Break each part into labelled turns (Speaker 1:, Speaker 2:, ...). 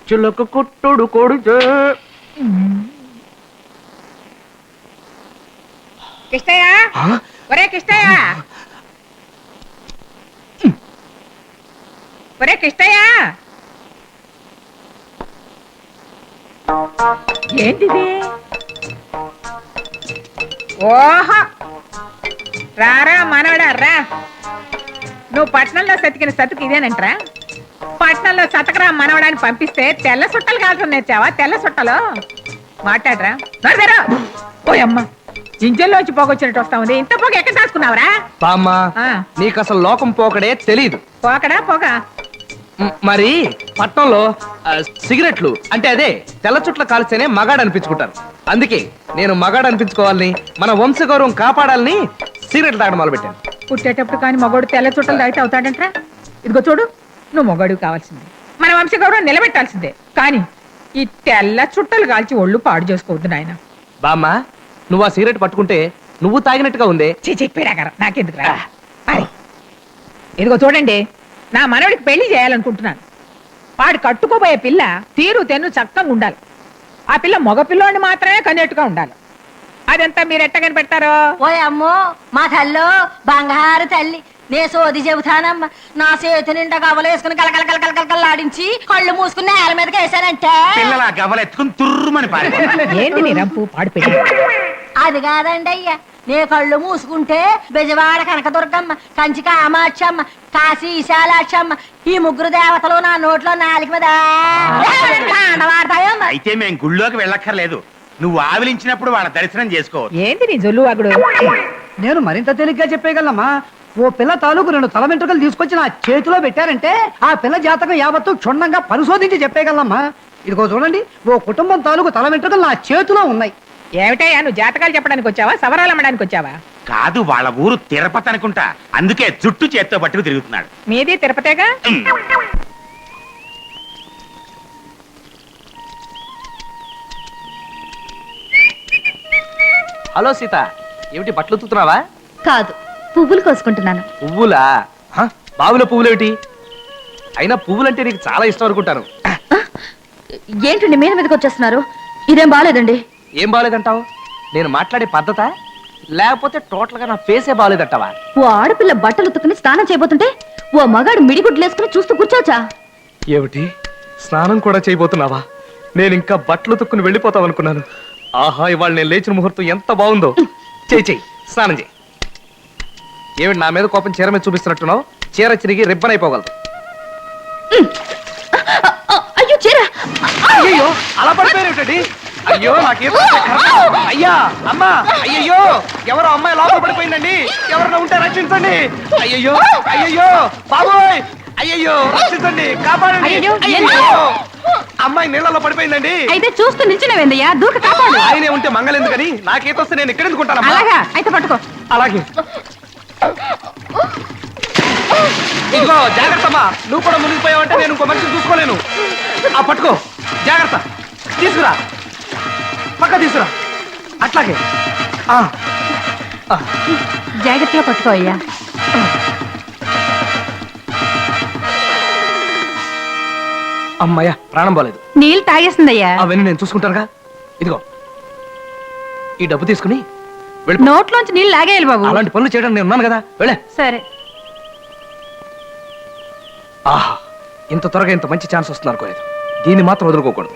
Speaker 1: చిలక కొట్టుడు కొడితే
Speaker 2: కిష్టయ్య ఒరే కిష్టయ్య ఒరే కిష్టయ్య ఏంటిది ఓహో రారా మనవడా రా నువ్వు పట్నంలో సతికిన సతుకు ఇదేనంటరా పట్నంలో సతకరా మనవడాన్ని పంపిస్తే తెల్ల సుట్టలు కాల్చడం నేర్చావా తెల్ల సుట్టలు మాట్లాడరా నడదరా ఓయమ్మ ఇంజల్లోంచి పోగొచ్చినట్టు వస్తా ఉంది ఇంత పోగ ఎక్కడ దాచుకున్నావురా
Speaker 1: బామ్మ నీకు అసలు లోకం పోకడే తెలీదు
Speaker 2: పోకడా పోక
Speaker 1: మరి పట్నంలో సిగరెట్లు అంటే అదే తెల్ల చుట్ల కాల్స్తేనే మగాడు అనిపించుకుంటారు అందుకే నేను మగాడు అనిపించుకోవాలని మన వంశగౌరవం కాపాడాలని సిగరెట్లు తాగడం మొదలు పెట్టాను
Speaker 2: పుట్టేటప్పుడు కానీ మగోడు తెల్ల చుట్టలు తాగితే అవుతాడంట్రా ఇదిగో చూడు నువ్వు మగోడివి కావాల్సిందే మన వంశగౌరవం నిలబెట్టాల్సిందే కానీ ఈ తెల్ల చుట్టలు కాల్చి ఒళ్ళు పాడు చేసుకోవద్దు నాయన
Speaker 1: బామ్మ నువ్వు ఆ సిగరెట్ పట్టుకుంటే నువ్వు తాగినట్టుగా ఉందే
Speaker 2: చెప్పారా నాకెందుకు రా ఇదిగో చూడండి నా మనవడికి పెళ్లి చేయాలనుకుంటున్నాను వాడు కట్టుకోబోయే పిల్ల తీరు తెన్ను చక్కగా ఉండాలి ఆ పిల్ల మగ పిల్లోని మాత్రమే కన్నెట్టుగా ఉండాలి అదంతా మీరు ఎట్ట కనిపెడతారో
Speaker 3: ఓ అమ్మో మా తల్లో బంగారు తల్లి నే సోది చెబుతానమ్మా నా చేతి నిండా గవ్వలు వేసుకుని కలకల కలకల కలకలాడించి కళ్ళు మూసుకుని నేల మీదకి వేసానంటే
Speaker 4: పిల్లల గవ్వలు ఎత్తుకుని తుర్రుమని పారి
Speaker 2: ఏంటి నీ రంపు పాడు పెట్టి
Speaker 3: అది కాదండి అయ్యా నే కళ్ళు మూసుకుంటే బెజవాడ కనకదుర్గమ్మ కంచి కామాక్షమ్మ కాశీ విశాలాక్షమ్మ ఈ ముగ్గురు దేవతలు నా నోట్లో నాలుగు మీద వాడతాయమ్మ
Speaker 4: అయితే మేం గుళ్ళోకి వెళ్ళక్కర్లేదు నువ్వు ఆవిలించినప్పుడు వాళ్ళ దర్శనం చేసుకో
Speaker 2: ఏంటి నీ జొల్లు వాగుడు
Speaker 5: నేను మరింత తేలిగ్గా చెప్పేయగలమ్మా ఓ పిల్ల తాలూకు 2 తల వెంట్రుకలు తీసుకొచ్చి నా చేతిలో పెట్టారంటే ఆ పిల్ల జాతకం యావత్తు క్షుణ్ణంగా పరిశోధించి చెప్పేయగలమ్మా ఇదిగో చూడండి ఓ కుటుంబం తాలూకు తల వెంట్రుకలు నా చేతిలో ఉన్నాయి
Speaker 2: ఏమిటయ్యా నువ్వు జాతకాలు చెప్పడానికి వచ్చావా సవరాలు అమ్మడానికి వచ్చావా
Speaker 4: కాదు వాళ్ళ ఊరు తిరుపతి అనుకుంటా అందుకే జుట్టు చేత్తో పట్టుకు తిరుగుతున్నాడు
Speaker 2: మీది తిరుపతేగా
Speaker 1: హలో సీత ఏమిటి బట్టలు ఉతుకుతున్నావా
Speaker 6: కాదు పువ్వులు కోసుకుంటున్నాను
Speaker 1: పువ్వులా బావుల పువ్వులేమిటి అయినా పువ్వులంటే నీకు చాలా ఇష్టం అనుకుంటాను
Speaker 6: ఏంటండి మీద మీదకి వచ్చేస్తున్నారు ఇదేం బాగాలేదండి
Speaker 1: ఏం బాగాలేదంటావు నేను మాట్లాడే పద్ధత లేకపోతే టోటల్ గా నా ఫేసే బాగాలేదంటావా
Speaker 6: ఓ ఆడపిల్ల బట్టలు ఉతుకుని స్నానం చేయబోతుంటే ఓ మగాడు మిడిగుడ్లు వేసుకుని చూస్తూ కూర్చోవచ్చా
Speaker 1: ఏమిటి స్నానం కూడా చేయబోతున్నావా నేను ఇంకా బట్టలు ఉతుక్కుని వెళ్ళిపోతాం అనుకున్నాను ఆహా ఇవాళ నేను లేచిన ముహూర్తం ఎంత బాగుందో చెయ్యి స్నానం చేయి ఏమిటి నా మీద కోపం చీర మీద చూపిస్తున్నట్టున్నావు చీర చిరిగి రిబ్బన్ అయిపోగలదు
Speaker 6: అయ్యో చీర
Speaker 1: అయ్యో అలా పడిపోయారేమిటండి అయ్యో నాకేం అయ్యా అమ్మా అయ్యయ్యో ఎవరో అమ్మాయి లోపల పడిపోయిందండి ఎవరైనా ఉంటే రక్షించండి అయ్యయ్యో అయ్యయ్యో బాబోయ్ అయ్యయ్యో రక్షించండి కాపాడండి అయ్యయ్యో అమ్మాయి నీళ్ళలో పడిపోయిందండి
Speaker 6: అయితే చూస్తూ నిల్చునేవేందయ్యా దూక కాపాడు
Speaker 1: ఆయనే ఉంటే మంగళెందుకని నాకేతొస్తే నేను ఇక్కడ ఎందుకుంటాను
Speaker 6: అలాగా అయితే పట్టుకో
Speaker 1: అలాగే ఇదిగో జాగ్రత్తమ్మా నువ్వు కూడా మునిగిపోయావంటే నేను ఇంకో మనిషిని చూసుకోలేను ఆ పట్టుకో జాగ్రత్త తీసుకురా పక్క తీసుకురా అట్లాగే
Speaker 6: జాగ్రత్తగా పట్టుకో అయ్యా
Speaker 1: అమ్మయ్య ప్రాణం పోలేదు
Speaker 6: నీళ్ళు తాగేస్తుందయ్యా
Speaker 1: అవన్నీ నేను చూసుకుంటానుగా ఇదిగో ఈ డబ్బు తీసుకుని
Speaker 6: నోట్లోంచి నీళ్ళు లాగేయాలి బాబు
Speaker 1: అలాంటి పనులు చేయడానికి నేను ఉన్నాను కదా వెళ్ళే
Speaker 6: సరే
Speaker 1: ఆహా ఇంత త్వరగా ఇంత మంచి ఛాన్స్ వస్తుంది అనుకోలేదు దీన్ని మాత్రం వదులుకోకూడదు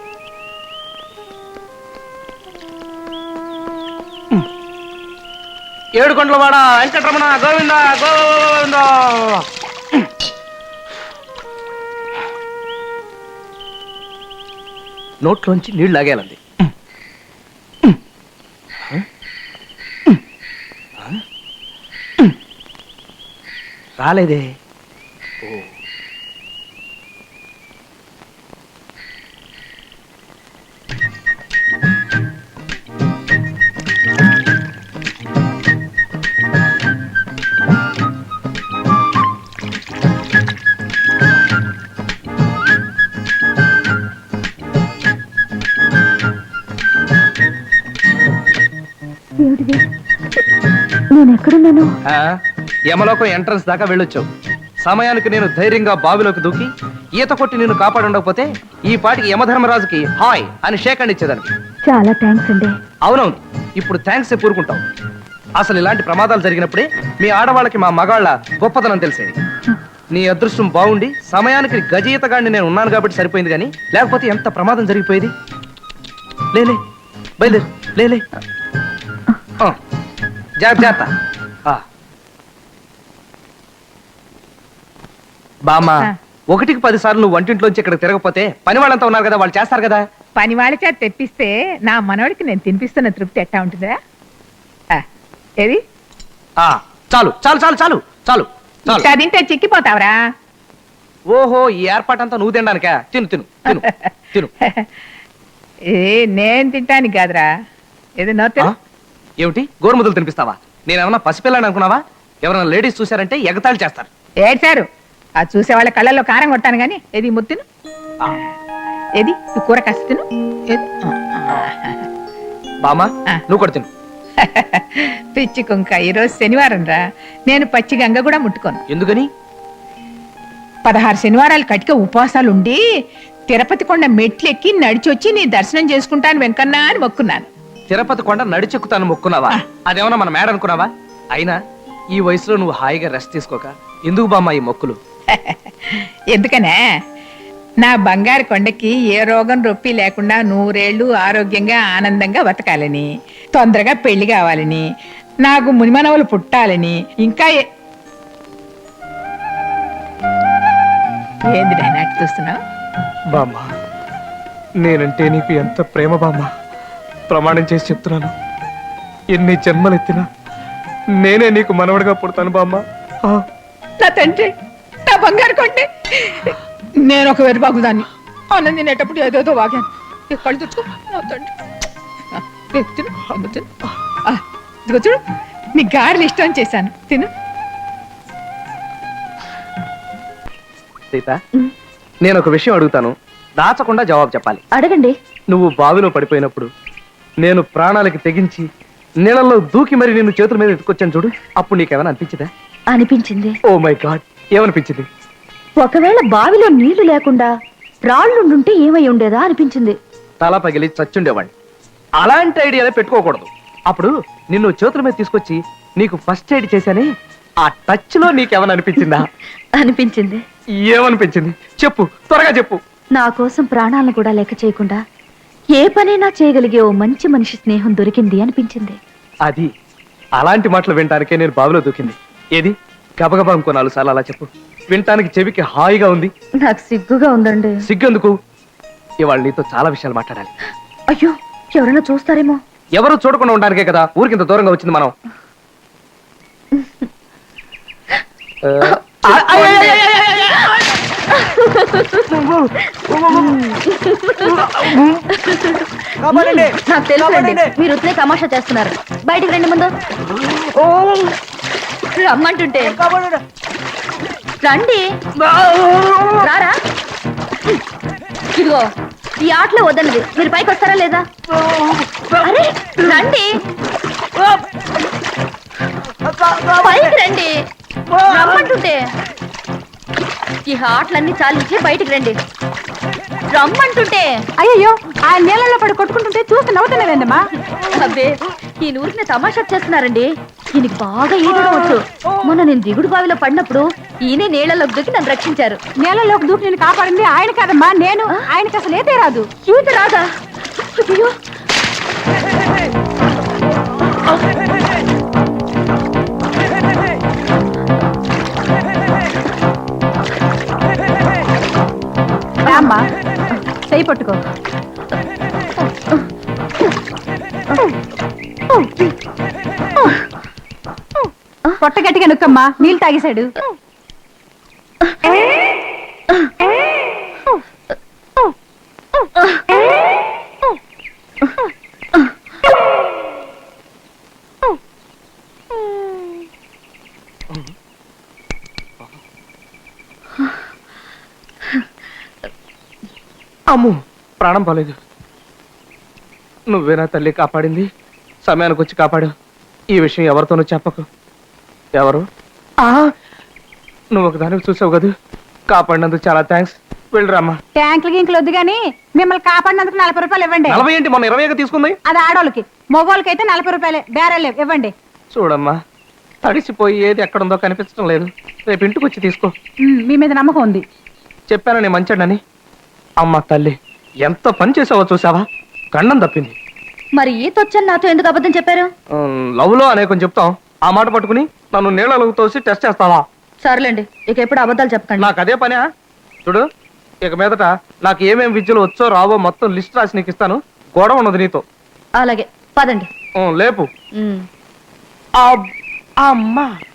Speaker 1: ఏడుకొండలవాడ వెంకటరమణ గోవింద గోవింద నోట్లోంచి నీళ్లు లాగేయాలండి రాలేదే ఓ
Speaker 6: నేను ఎక్కడున్నాను
Speaker 1: యమలోకం ఎంట్రన్స్ దాకా వెళ్ళొచ్చావు సమయానికి నేను ధైర్యంగా బావిలోకి దూకి ఈత కొట్టి నిన్ను కాపాడి ఉండకపోతే ఈ పాటికి యమధర్మరాజుకి హాయ్ అని షేక్ అండ్ ఇచ్చేదాన్ని.
Speaker 6: చాలా థ్యాంక్స్ అండి.
Speaker 1: అవునవును, ఇప్పుడు థ్యాంక్స్ కూరుకుంటాం. అసలు ఇలాంటి ప్రమాదాలు జరిగినప్పుడే మీ ఆడవాళ్ళకి మా మగాళ్ళ గొప్పతనం తెలిసేది. నీ అదృష్టం బాగుండి సమయానికి గజయితగాడిని నేను ఉన్నాను కాబట్టి సరిపోయింది, కానీ లేకపోతే ఎంత ప్రమాదం జరిగిపోయేది. లేలే బయలుదేరు, లేలే. జాగ్రత్త. బామ్మా,
Speaker 2: ఆ.
Speaker 1: 1కి 10 సార్లు నువ్వు వంటింట్లోంచి ఇక్కడ తిరగకపోతే పని వాళ్ళంతా ఉన్నారు కదా, వాళ్ళు చేస్తారు కదా.
Speaker 2: పని వాళ్ళ చేత తెప్పిస్తే నా మనవడికి నేను తినిపిస్తున్న తృప్తి ఎట్టా ఉంటుందా? ఏది
Speaker 1: చాలు చాలు చాలు చాలు చాలు చాలు.
Speaker 2: ఇట్టా తింటే చిక్కిపోతావరా?
Speaker 1: ఓహో, ఈ ఏర్పాటంతా నువ్వు తినడానికా? తిను తిను తిను తిను.
Speaker 2: ఏ నేను తింటానికి కాదురా, ఏది
Speaker 1: ఆ?
Speaker 2: నోతే.
Speaker 1: ఏమిటి గోరుముద్దలు తినిపిస్తావా? నేనేమన్నా పసిపిల్లని అనుకున్నావా? ఎవరైనా లేడీస్ చూశారంటే ఎగతాళి చేస్తారు.
Speaker 2: ఏడ్చారు ఆ చూసే వాళ్ళ కళ్ళల్లో కారం కొట్టాను గాని. ఏది ముత్తిను,
Speaker 1: ఆ,
Speaker 2: ఏది ఈ కూర కాస్త తిను. ఏది?
Speaker 1: బామ్మా
Speaker 2: ఆ.
Speaker 1: నువ్వు కూడా తిను.
Speaker 2: పిచ్చి కుంక, ఈరోజు శనివారం రా. నేను పచ్చి గంగ కూడా ముట్టుకోను.
Speaker 1: ఎందుకని?
Speaker 2: 16 శనివారాలు కటిక ఉపవాసాలు ఉండి తిరుపతి కొండ మెట్లెక్కి నడిచొచ్చి నీ దర్శనం చేసుకుంటాను వెంకన్నా అని మొక్కున్నాను.
Speaker 1: తిరుపతి కొండ నడిచెక్కుతాను మొక్కున్నావా? అదేమన్నా మన మేడ అనుకున్నావా? అయినా ఈ వయసులో నువ్వు హాయిగా రెస్ట్ తీసుకోక ఎందుకు బామ్మా ఈ మొక్కులు?
Speaker 2: ఎందుకనే నా బంగారు కొండకి ఏ రోగం రొప్పి లేకుండా 100 ఏళ్ళు ఆరోగ్యంగా ఆనందంగా బతకాలని, తొందరగా పెళ్లి కావాలని, నాకు మునిమనవలు పుట్టాలని, ఇంకా ఏంది నాటి చూస్తున్నావు?
Speaker 1: బామ్మా, నేనంటే నీకు ఎంత ప్రేమ బామ్మా. ప్రమాణం చేసి చెప్తున్నాను, ఎన్ని జన్మలెత్తినా నేనే నీకు మనవడిగా పుడతాను బామ్మా.
Speaker 2: నా తండ్రి, నా బంగారు కొండే. నేను ఒక వెరుబాగుదాన్ని అన్నం తినేటప్పుడు ఏదేదో వాగాను. ఈ కళ్ళు తెచ్చుకో నా తండ్రి. తిను, అమ్మ తిను. ఇదిగో చూడు, నీ గారెలు ఇష్టం చేశాను, తిను.
Speaker 1: సీత, నేను ఒక విషయం అడుగుతాను, దాచకుండా జవాబు చెప్పాలి.
Speaker 6: అడగండి.
Speaker 1: నువ్వు బావిలో పడిపోయినప్పుడు నేను ప్రాణాలకి తెగించి నీళ్ళల్లో దూకి మరి నిన్ను చేతుల మీద ఎత్తుకొచ్చాను చూడు, అప్పుడు నీకేమైనా అనిపించిందా?
Speaker 6: అనిపించింది.
Speaker 1: ఓ మై గాడ్, ఏమనిపించింది?
Speaker 6: ఒకవేళ బావిలో నీళ్లు లేకుండా రాళ్ళుండుంటే ఏమై ఉండేదా అనిపించింది.
Speaker 1: తల పగిలి చచ్చుండేవాడిని. అలాంటి ఐడియాలే పెట్టుకోకూడదు. అప్పుడు నిన్ను చేతుల మీద తీసుకొచ్చి నీకు ఫస్ట్ ఎయిడ్ చేశానే, ఆ టచ్ లో నీకేమైనా అనిపించిందా?
Speaker 6: అనిపించింది.
Speaker 1: ఏమనిపించింది చెప్పు, త్వరగా చెప్పు.
Speaker 6: నా కోసం ప్రాణాలను కూడా లెక్క చేయకుండా ఏ పనైనా చేయగలిగే ఓ మంచి మనిషి స్నేహం దొరికింది అనిపించింది.
Speaker 1: అది అలాంటి మాటలు వినటానికే నేను బావిలో దూకింది. ఏది గబగబా ఇంకో 4 సార్లు అలా చెప్పు, వినటానికి చెవికి హాయిగా ఉంది.
Speaker 6: నాకు సిగ్గుగా ఉందండి.
Speaker 1: సిగ్గెందుకు? ఇవాళ నీతో చాలా విషయాలు మాట్లాడాలి.
Speaker 6: అయ్యో, ఎవరైనా చూస్తారేమో.
Speaker 1: ఎవరు చూడకుండా ఉండడానికే కదా ఊరికింత దూరంగా వచ్చింది మనం.
Speaker 6: నాకు తెలుసులేండి, మీరు ఉత్తే తమాషా చేస్తున్నారు. బయటికి రండి ముందు. రమ్మంటుంటే రండి. రారా. ఇదిగో ఈ ఆటలో వద్దన్నది, మీరు పైకి వస్తారా లేదా? అరే రండి, పైకి రండి, రమ్మంటుంటే. ఈ ఆటలన్నీ చాలించి బయటికి రండి, రమ్మంటుంటే.
Speaker 3: అయ్యో, ఆ నీళ్ళలో పడి కొట్టుకుంటుంటే చూసి నవ్వుతున్నావేందమ్మా?
Speaker 6: అబ్బే, ఈ ఊరికి తమాషా చేస్తున్నారండి. ఈయనకి బాగా ఈదడం వచ్చు. మొన్న నేను దిగుడు బావిలో పడినప్పుడు ఈయనే నీళ్లలోకి దూకి నన్ను రక్షించారు.
Speaker 3: నీళ్ళలోకి దూకి నేను కాపాడింది ఆయన కాదమ్మా, నేను. ఆయనకి అసలు ఏదే రాదు.
Speaker 6: ఈత రాదా? అయ్యో,
Speaker 3: అమ్మా, చేయి పట్టుకో. పొట్ట గట్టిగా నొక్కమ్మా, నీళ్ళు తాగేశాడు.
Speaker 1: అమ్ము, ప్రాణం పోలేదు. నువ్వేనా తల్లి కాపాడింది? సమయానికి వచ్చి కాపాడు. ఈ విషయం ఎవరితోనూ చెప్పకు. ఎవరు? నువ్వు ఒకదానికి చూసావు కదా, కాపాడినందుకు చాలా థ్యాంక్స్. వెళ్ళిరామ్మా.
Speaker 2: ట్యాంకులు గింకులు వద్దు గాని మిమ్మల్ని కాపాడినందుకు 40 రూపాయలు ఇవ్వండి.
Speaker 1: 40 ఏంటి, మొన్న 20 తీసుకుంది.
Speaker 2: అది ఆడోళ్ళకి, మగోళ్ళకి అయితే 40 రూపాయలే. బేరాలు లేవు, ఇవ్వండి.
Speaker 1: చూడమ్మా, తడిసిపోయి ఏది ఎక్కడుందో కనిపించడం లేదు. రేపు ఇంటికి వచ్చి తీసుకో.
Speaker 2: మీ మీద నమ్మకం ఉంది.
Speaker 1: చెప్పాను నేను మంచాడని. అమ్మ తల్లి, ఎంత పని చేసావో చూసావా? గండం తప్పింది.
Speaker 6: మరి ఈత వచ్చని నాతో ఎందుకు అబద్ధం చెప్పారు?
Speaker 1: లవ్ లో అనేకం చెప్తాం, ఆ మాట పట్టుకుని నన్ను నీళ్ళలో తోసి టెస్ట్ చేస్తావా?
Speaker 6: సర్లేండి, ఇక ఎప్పుడు అబద్ధాలు చెప్పకండి.
Speaker 1: నాకు అదే పనా? చూడు, ఇక మీదట నాకు ఏమేం విద్యలు వచ్చో రావో మొత్తం లిస్ట్ రాసి నీకు ఇస్తాను. గొడవ ఉన్నది నీతో.
Speaker 6: అలాగే, పదండి.
Speaker 1: లేపు.
Speaker 6: ఉమ్.
Speaker 1: అమ్మా